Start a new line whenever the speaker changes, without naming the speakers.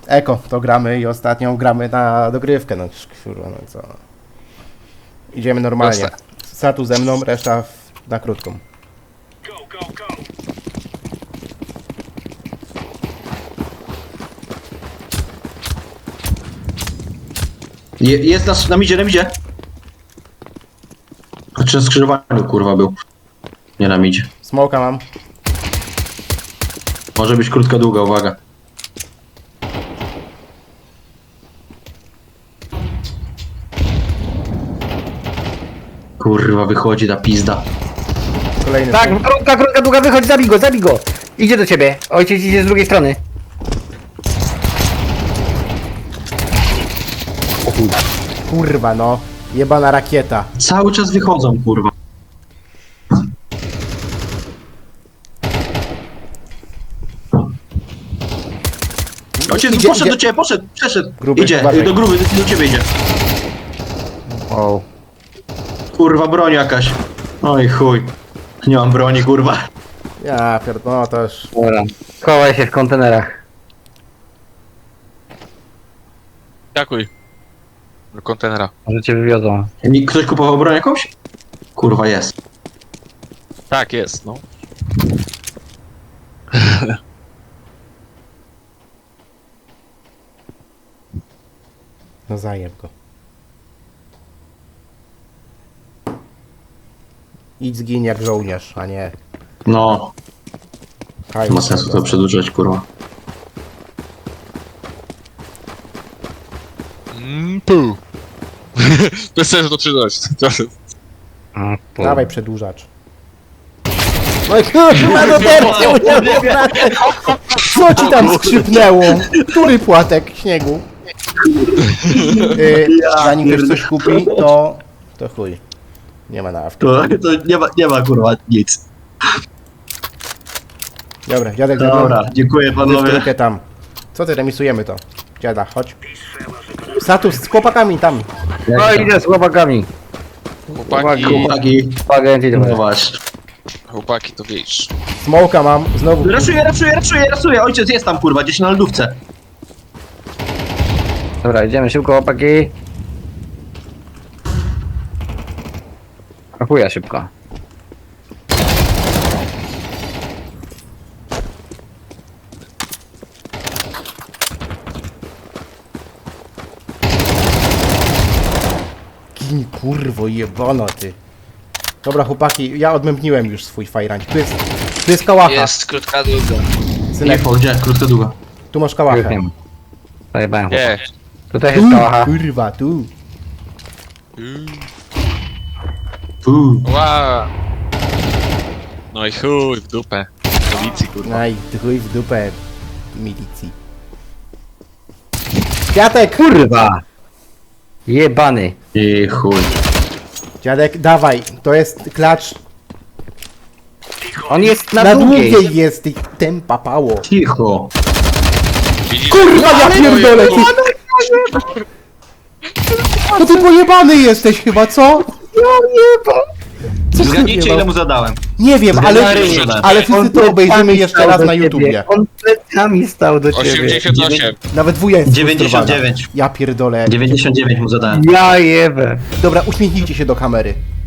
Eko, to gramy i ostatnią gramy na dogrywkę, no kurwa, no co. Idziemy normalnie.
Proste.
Satu ze mną, reszta na krótką.
Jest na midzie, na midzie. Znaczy na skrzyżowaniu, kurwa, był. Nie na midzie.
Smoka mam.
Może być krótka, długa, uwaga. Kurwa, wychodzi ta pizda.
Kolejny.
Tak, krótka, długa, wychodź, zabij go! Idzie do ciebie, ojciec idzie z drugiej strony.
Kurwa, no. Jebana rakieta.
Cały czas wychodzą, kurwa. Ojciec,
Idzie,
poszedł
idzie.
do ciebie, przeszedł.
Gruby,
idzie,
uważaj.
do gruby, do ciebie idzie.
O.
Kurwa, broń jakaś. Oj chuj. Nie mam broni, kurwa.
Ja pierdolę, no to już...
Dobra. Chowaj się w kontenerach.
Dziękuj. Do kontenera.
Może cię wywiozą.
Ktoś kupował broń jakąś? Kurwa, jest.
Tak jest, no.
No zajeb go. Idź zgiń jak żołnierz, a nie...
No,
Haj,
nie ma sensu to przedłużać, kurwa.
Pół. Bez sensu to czytać.
Dawaj przedłużacz. No i kurwa, no teraz co ci tam skrzypnęło? Który płatek śniegu? Zanim ktoś coś kupi, to chuj. Nie ma nawki.
To nie ma kurwa nic.
Dobra, dziadek
Dobra, dziękuję panowie.
Tylko tam. Co ty, remisujemy to? Dziada, chodź. Status z chłopakami tam.
No idę z chłopakami.
Chłopaki,
Chłopaki,
Pagęci
no
dobra.
właśnie.
chłopaki to wiesz.
Smoka mam, znowu.
Rasuję, ojciec jest tam kurwa, gdzieś na lodówce.
Dobra, idziemy szybko chłopaki. A chuja szybko.
Gin, kurwo, jebano ty. Dobra chłopaki, ja odmębniłem już swój fajrań. Tu jest kałacha.
Jest krótka długa.
Synek,
Nie, gdzie? Krótka, długa.
tu masz
Już
kałachę.
nie ma. Zajebałem
Nie.
chłopaki. Tutaj jest kałacha.
Kurwa, tu.
Ła. No i chuj w dupę. Policji kurwa.
Aj, chuj w dupę milicji. Kwiatek!
Kurwa! Jebany.
I chuj.
Dziadek, dawaj, to jest klacz.
On jest
Na długiej jest i tempa pało.
Cicho.
Widzisz?
Kurwa, ja pierdolę! Ty... No ty pojebany jesteś chyba, co? Co
Zgadnijcie ile mu zadałem.
Nie wiem,
Zgadnijcie.
ale wszyscy to obejrzymy jeszcze raz na YouTubie.
On plecami stał do ciebie.
88.
Nawet wuja jest
99.
Ja pierdolę.
99 mu zadałem.
Ja jebę.
Dobra, uśmiechnijcie się do kamery.